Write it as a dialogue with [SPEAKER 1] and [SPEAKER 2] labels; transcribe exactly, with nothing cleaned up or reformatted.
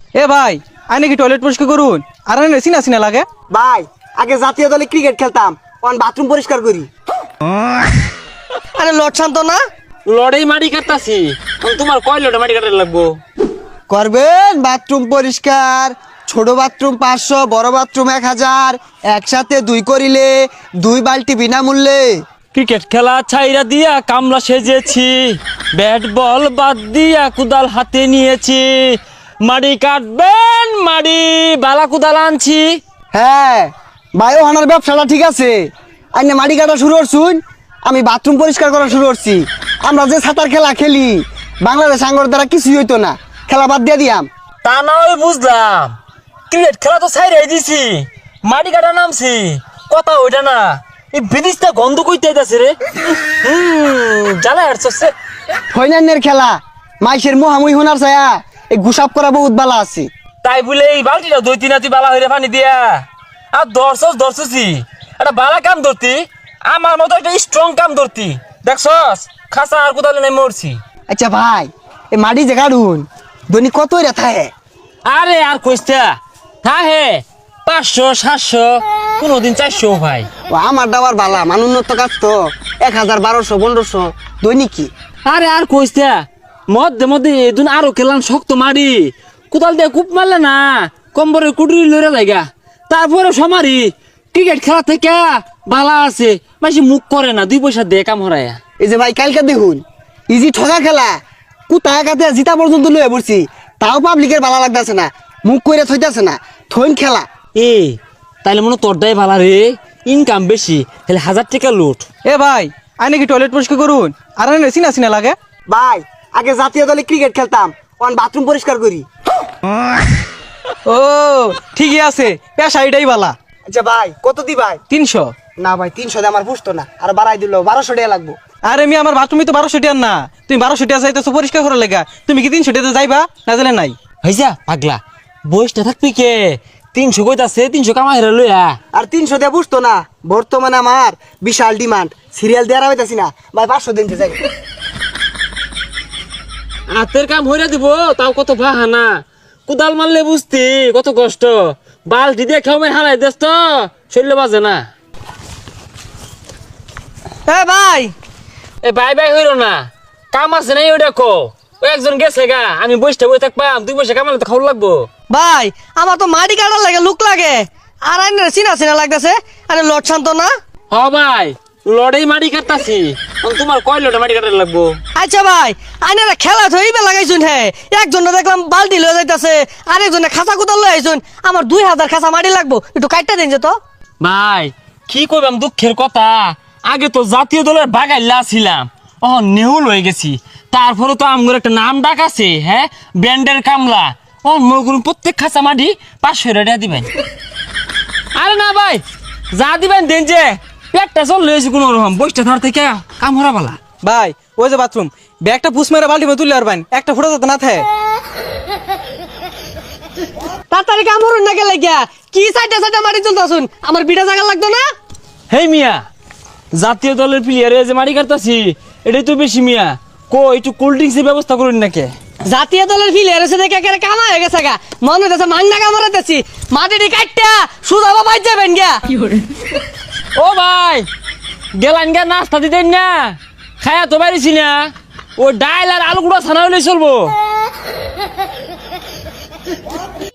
[SPEAKER 1] এ ভাই আই নাকি টয়লেট পরিষ্কার করুন আর আনে চিনা চিনা লাগে।
[SPEAKER 2] ভাই আগে জাতীয় দলে ক্রিকেট খেলতাম, এখন বাথরুম পরিষ্কার করি।
[SPEAKER 3] আরে লট শান্ত না
[SPEAKER 4] লড়াই মাটি কাটতাছি, তোমার কয় লড়াই মাটি কাটার লাগবো?
[SPEAKER 2] করবেন বাথরুম পরিষ্কার, ছোট বাথরুম পাঁচশো, বড় বাথরুম এক হাজার, একসাথে দুই করিলে দুই বালতি বিনামূল্যে।
[SPEAKER 4] ক্রিকেট খেলা ছাইরা দিয়া কামলা সেজেছি, ব্যাট বল বাদ দিয়া কুদাল হাতে নিয়েছি, মাটি কাটবেন মাটি বালা কুদাল আনছি।
[SPEAKER 2] হ্যাঁ ভাই ওখানের ব্যবসাটা ঠিক আছে, আইনে মাটি কাটা শুরু করছুন, আমি বাথরুম পরিষ্কার করা শুরু করছি। আমরা যে সাঁতার খেলা খেলি বাংলাদেশ আঙ্গর দ্বারা কিছুই হইতো না, খেলা বাদ দিয়ে দিয়াম।
[SPEAKER 4] তা না ওই বুঝলাম, ক্রিকেট খেলা তো ছাইরাই দিছি, মাটি কাটা নামছি, কথা ওইটা না। এই বিদিশটা গন্ধ কইতে আইতাছে রে, হুম জ্বালা হাঁটছে।
[SPEAKER 2] ফৈনান্যের খেলা মাইসের মুহামুই হোনার ছায়া এই গুসাপ করা বহুত বালা আছে।
[SPEAKER 4] তাই বলে এই বালতিটা দুই তিন হাতি বালা হইরে পানি দিয়া আর দর্শস দর্শসি একটা বালা কাম ধরতি, আমার মতো একটা স্ট্রং কাম ধরতি, দেখছস খাসা আর কোথাও নাই মরছি।
[SPEAKER 2] আচ্ছা ভাই এই মাটি যে কাটুন দৈনিক কত রেথা হে?
[SPEAKER 4] আরে আর কইস্তা থা হে পাঁচশো সাতশো কোনোদিন চারশো ভাই।
[SPEAKER 2] ও আমার ডাবার বালা মানুন্নত কাজ তো এক হাজার বারোশো পনেরোশো দৈনিক কি।
[SPEAKER 4] আরে আর কইস্তা মধ্যে মধ্যে এদিন আরো খেলাম শক্ত মারি কোদাল দিয়ে কূপ মারলে না কম্বরে কুটুরি লড়ে লাগা, তারপরে সমারি ক্রিকেট খেলা থেকে বালা আছে বেশি মুখ করে না, দুই পয়সা দিয়ে কাম হরায়া।
[SPEAKER 2] এই যে ভাই কালকে দেখুন ইজি ঠগা খেলা কুতা একাতে জিতা পর্যন্ত লয়ে পড়ছি, তাও পাবলিকের ভালো লাগতেছে না, মুখ করে থইতাছে না, থইন খেলা।
[SPEAKER 4] এ তাইলে মনে তোরটাই ভালা রে, ইনকাম বেশি, তাহলে হাজার টাকা লুট।
[SPEAKER 1] এ ভাই আই নাকি টয়লেট পরিষ্কার করুন আর আনে চিনা চিনা লাগে।
[SPEAKER 2] ভাই আগে জাতীয় দলে ক্রিকেট খেলতাম, এখন বাথরুম পরিষ্কার করি।
[SPEAKER 1] ও ঠিকই আছে, পেশা এটাই বালা।
[SPEAKER 2] আচ্ছা ভাই কত দি ভাই?
[SPEAKER 1] তিনশো।
[SPEAKER 2] না ভাই তিনশো দিয়ে আমার পুষতো না, আর বাড়াই দিল বারোশো টাকা লাগবো।
[SPEAKER 1] আরে আমি আমার বাথরুমে তো বারোশো টিয়ার না, তুমি বারোশো টিয়া চাইতেছো পরিষ্কার করার লেগা, তুমি কি তিনশো টিয়াতে যাইবা না জানে নাই?
[SPEAKER 4] হয়েছা পাগলা বয়সটা থাকবি কে, তিনশো কইতাছে তিনশো কামাই হেরা লইয়া।
[SPEAKER 2] আর তিনশো দিয়ে পুষতো না, বর্তমানে আমার বিশাল ডিমান্ড, সিরিয়াল দেওয়া হইতাছি না ভাই, পাঁচশো দিনতে যাই।
[SPEAKER 4] হাতের কাম হইরা দিব তাও কত বাহানা, কুদাল মারলে বুঝতি কত কষ্ট, বালতি দিয়ে খেয়ে হারাই দেস তো শরীরে বাজে না।
[SPEAKER 3] এ ভাই
[SPEAKER 4] এ বাই বাই হইল না, কাম আছে নাই ওই দেখো, ও একজন গেছে গা, আমি বসতে বই থাকবাম, দুই পয়সা কামালে তো খাওয়া লাগবো।
[SPEAKER 3] ভাই আমার তো মাটি কাটার লাগে লুক লাগে, আর আইনের চিনা চিনা লাগতেছে। আরে লট শান্ত না
[SPEAKER 4] হ ভাই লড়াই মাটি কাটতাছি, তোমার কয় লড়াই মাটি কাটার লাগবো?
[SPEAKER 3] আচ্ছা ভাই আইনারা খেলা থইবে লাগাইছুন, হে একজনে দেখলাম বালতি লয়ে যাইতাছে, আরেকজনে খাঁচা কুতাল লয়ে আইছুন, আমার দুই হাজার খাঁচা মাটি লাগবো, একটু কাটটা দিন যে তো।
[SPEAKER 4] ভাই কি কইবাম দুঃখের কথা, আগে তো জাতীয় দলের বাগাইলা ছিলাম, ও নেহুল হয়ে গেছি, তারপরে তো আমগর একটা নাম ডাক আছে, হ্যাঁ ব্যান্ডের কামলা, ও মগুর প্রত্যেক খাঁচা মাটি পাঁচশো টাকা দিবেন। আরে না ভাই যা দিবেন দেন, যে পেটটা চল লয়েছি কোনো রকম, বসটা ধর থেকে কাম হরা বালা।
[SPEAKER 1] ভাই ওই যে বাথরুম ব্যাগটা পুষ মেরে বাল্টি মে তুলে আরবেন, একটা ফুটা যাতে না থাকে।
[SPEAKER 3] তাড়াতাড়ি কাম হরুন না গেলে গিয়া কি সাইডে সাইডে মাটি তুলতাছুন, আমার বিটা জায়গা লাগতো না।
[SPEAKER 4] হেই মিয়া জাতীয় দলের প্লেয়ারে যে মাটি কাটতাছি এটাই তো বেশি মিয়া, কো একটু কোল্ড ড্রিঙ্কসের ব্যবস্থা করুন নাকি?
[SPEAKER 3] জাতীয় দলের ফিলে এসে দেখে একেবারে কামা হয়ে গেছে গা, মনে হইতেছে মাংনা কামড়াতেছি, মাটিটি কাটটা সুদা বাবা যাবেন গিয়া।
[SPEAKER 4] ও ভাই গেলান গা নাস্তা দিতেন না, খায়া তো পারিছি না, ও ডাইল আর আলু গুঁড়া ছানা হইলে চলবো।